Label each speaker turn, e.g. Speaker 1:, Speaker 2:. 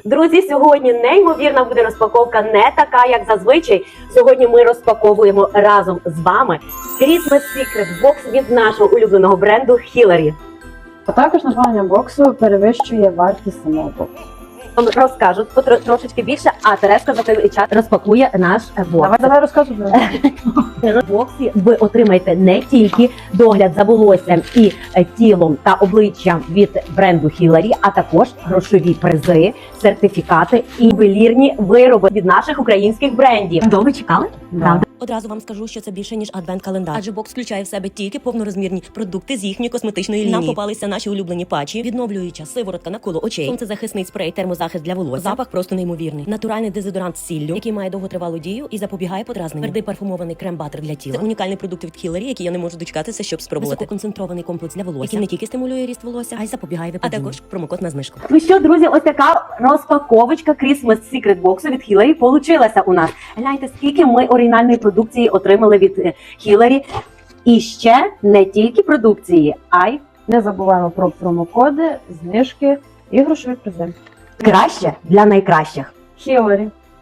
Speaker 1: Друзі, сьогодні неймовірна буде розпаковка, не така, як зазвичай. Сьогодні ми розпаковуємо разом з вами Christmas Secret Box від нашого улюбленого бренду Hillary.
Speaker 2: А також названня боксу перевищує вартість самого боксу.
Speaker 1: Вам розкажуть трошечки більше, а Тереска за той час розпакує наш бокс.
Speaker 2: Давай розказуй.
Speaker 1: В боксі ви отримаєте не тільки догляд за волоссям і тілом та обличчям від бренду Hillary, а також грошові призи, сертифікати і ювелірні вироби від наших українських брендів. Довго чекали?
Speaker 2: Да.
Speaker 3: Одразу вам скажу, що це більше, ніж адвент-календар. Адже бокс включає в себе тільки повнорозмірні продукти з їхньої косметичної лінії. Нам попалися наші улюблені патчі, відновлююча сиворотка на коло очей, сонцезахисний спрей, термозахист для волосся. Запах просто неймовірний. Натуральний дезодорант з сіллю, який має довготривалу дію і запобігає подразненню. Твердий парфумований крем-батер для тіла. Це унікальний продукт від Hillary, який я не можу дочекатися, щоб спробувати. Висококонцентрований комплекс для волосся, який не тільки стимулює ріст волосся, а й запобігає випадінню. А також промокод на знижку.
Speaker 1: Ну що, друзі, ось така розпаковочка Christmas Secret Box від Hillary получилася у нас. Гляньте, скільки ми оригінальної продукції отримали від Hillary. І ще не тільки продукції, а й
Speaker 2: Не забуваємо про промокоди, знижки і грошові призи.
Speaker 1: краще для найкращих.
Speaker 2: Hillary.